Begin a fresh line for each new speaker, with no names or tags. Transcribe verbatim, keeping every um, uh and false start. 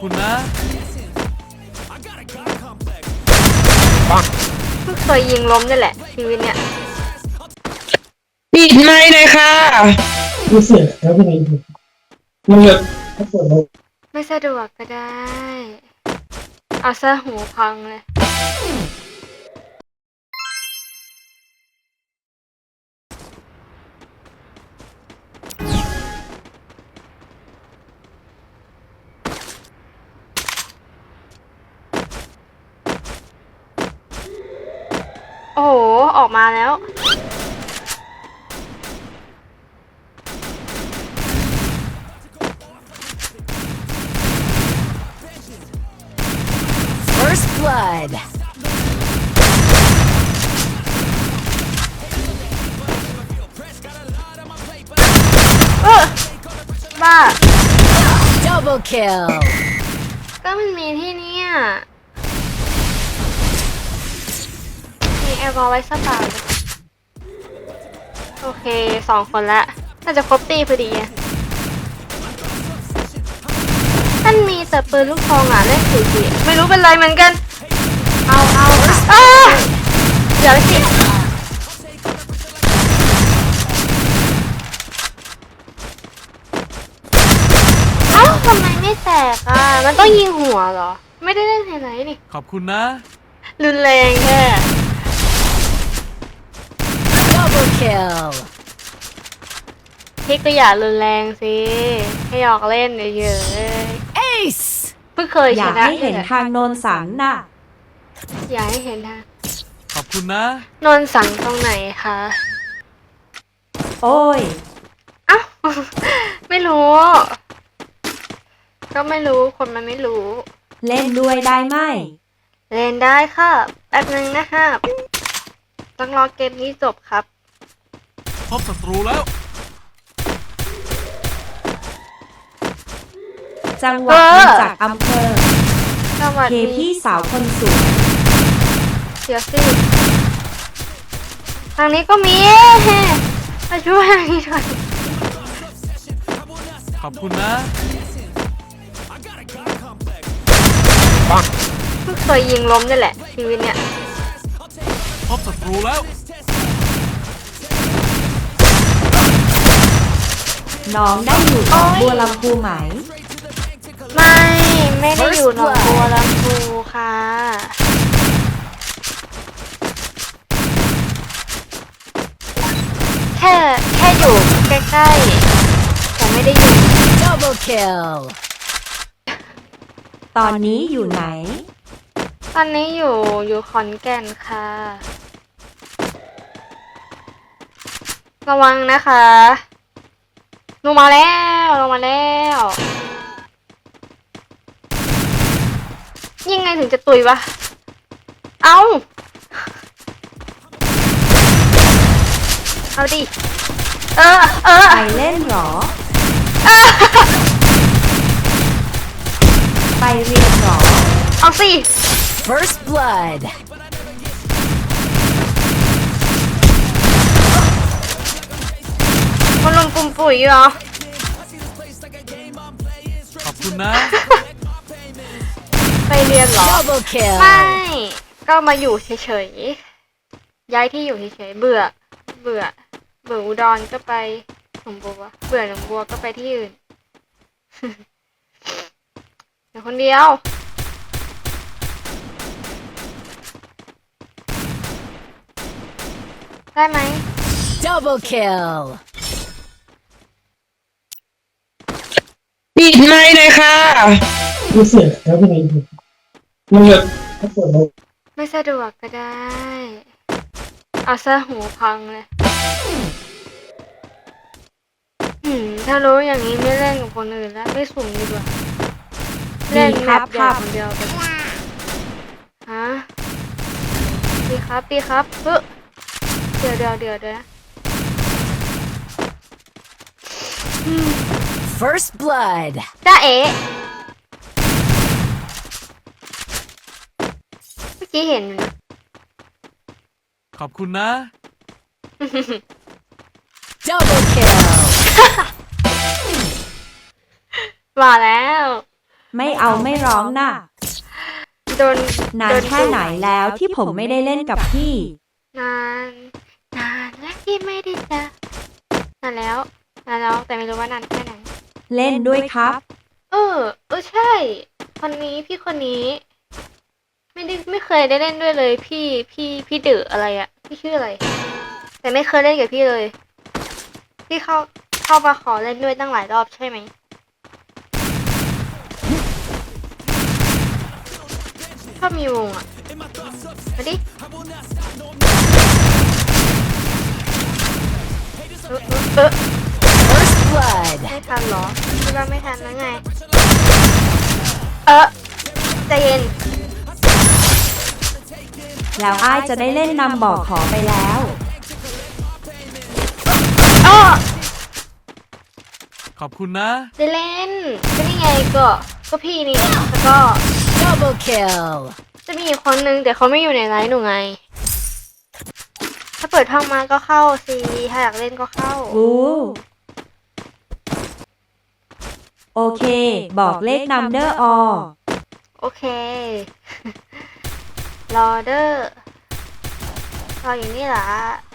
คุณนะ
เพิ่งเคยยิงล้มนี่แหละชีวิตเนี่ย
ปิดไมค์เลยค่ะรู้สึกแล้วเป็นไงมันแบบ
ไม่สะดวกก็ได้ เอาซะหูพังเลยโอ้โห ออกมาแล้ว
First blood.
เออบ้า
Double kill.
ก็มันมีที่นี่อ่ะมีแอร์บอลไว้สักเปล่าโอเคสองคนละน่าจะครบตีพอดีอ่ะท่านมีแต่ปืนลูกซองอ่ะเล่นสี่สี่ไม่รู้เป็นไรเหมือนกัน เอาเอาอ้าเดี๋ยวสิเอ้าทำไมไม่แตกอ่ะมันต้องยิงหัวเหรอไม่ได้เล่นไฮไลท์นี่
ขอบคุณนะ
รุนแรงแค่
Double kill.
พี่ก็อย่ารุนแรงสิให้หยอกเล่นเยอะๆ
Ace.
เพิ่งเคย
อ
ช
ยาก
นะ
ให้เห็นทางโนนสังน่ะ
อยากให้เห็นทาง
ขอบคุณนะ
นนสังตรงไหนคะ
โอ้ย
เอ้า ไม่รู้ ก็ไม่รู้คนมันไม่รู้
เล่นด้วยได้ไหม
เล่นได้ครับแป๊บนึงนะครับต้องรอเกมนี้จบครับ
พบศัตรูแล้ว
จังหวะมาจากอำเภอ
สวัส
เค
ดี
พี่สาวคนสวย
เดี๋ยวสิทางนี้ก็มีมาช่วยทางนี้หน่อย
ขอบคุณนะ
เพิ่งเคยยิงล้มนี่แหละชีวิตเนี่ย
พบศัตรูแล้ว
น้องได้อยู่หนองบัวลำพูไหม
ไม่ไม่ได้อยู่หนองบัวลำพูค่ะ แค่แค่อยู่ใกล้ๆแต่ไม่ได้อยู่
Double kill.
ตอนนี้อยู่ไหน
ตอนนี้อยู่อยู่ขอนแก่นค่ะ ระวังนะคะลงมาแล้วลงมาแล้วยังไงถึงจะตุยวะเอาเอาดิเออเออ
ไปเล่นหรอ ไปเรียนหรอ
เอาสิ
First blood.
มันลงปุ่มปุ๋ยเหรอ
ขอบคุณนะ
ไปเรียนเหรอ
Double kill.
ไม่ ก็มาอยู่เฉยๆ ย้ายที่อยู่เฉยๆ เบื่อ เบื่อ เบื่ออุดรก็ไปหนองบัว เบื่อหนองบัวก็ไปที่อื่น เดี๋ยวคนเดียว ได้ไหม
Double kill.
ปิดไมค์เลยค่ะรู้สึกแล้วเป็นไงมันแบบ
ไม่สะดวกก็ได้ เอาซะหูพังเลยหืมถ้ารู้อย่างนี้ไม่เล่นกับคนอื่นแล้วไม่สุ่มดีกว่า เล่นแมปใหญ่คนเดียวไปฮะดีครับดีครับเฮ้ยเดี๋ยวเดี๋ยวเดี๋ยวเดี๋ยว
First blood.
จ้าเอ๋เมื่อกี้เห็นอยู่นะ
ขอบคุณนะ
Double kill.
มาแล้ว
ไม่เอาไม่ร้องน่ะ
โดน
นาน
โด
แค่ไหนแล้วที่ผมไม่ได้เล่นกับพี่
นานนานแล้วที่ไม่ได้เจอนานแล้วนานแล้วแต่ไม่รู้ว่านานแค่ไหน
เล่นด้วยครับ
เออ เออใช่ คนนี้พี่คนนี้ ไม่ได้ไม่เคยได้เล่นด้วยเลย พี่พี่พี่เด๋ออะไรอะพี่ชื่ออะไร แต่ไม่เคยเล่นกับพี่เลย พี่เข้าเข้ามาขอเล่นด้วยตั้งหลายรอบใช่ไหมชอบมีวงอะมาดิเออเออเออ
First blood.
ไม่ทันเหรอคิดว่าไม่ทันแล้วไง เออใจเย็น
แล้วอ้ายจะได้เล่นนำบอกขอไปแล้ว
อ้อ
ขอบคุณนะ
ได้เล่นก็นี่ไงก็ก็พี่นี่แล้วก็
Double kill.
จะมีอีกคนนึงแต่เขาไม่อยู่ในไลน์หนูไง ถ้าเปิดห้องมาก็เข้าสิถ้าอยากเล่นก็เข้า
อู้ โอเค บอกเลขนำเดอร์อ
โอเค รอเดอร์รออยู่นี่เหรอ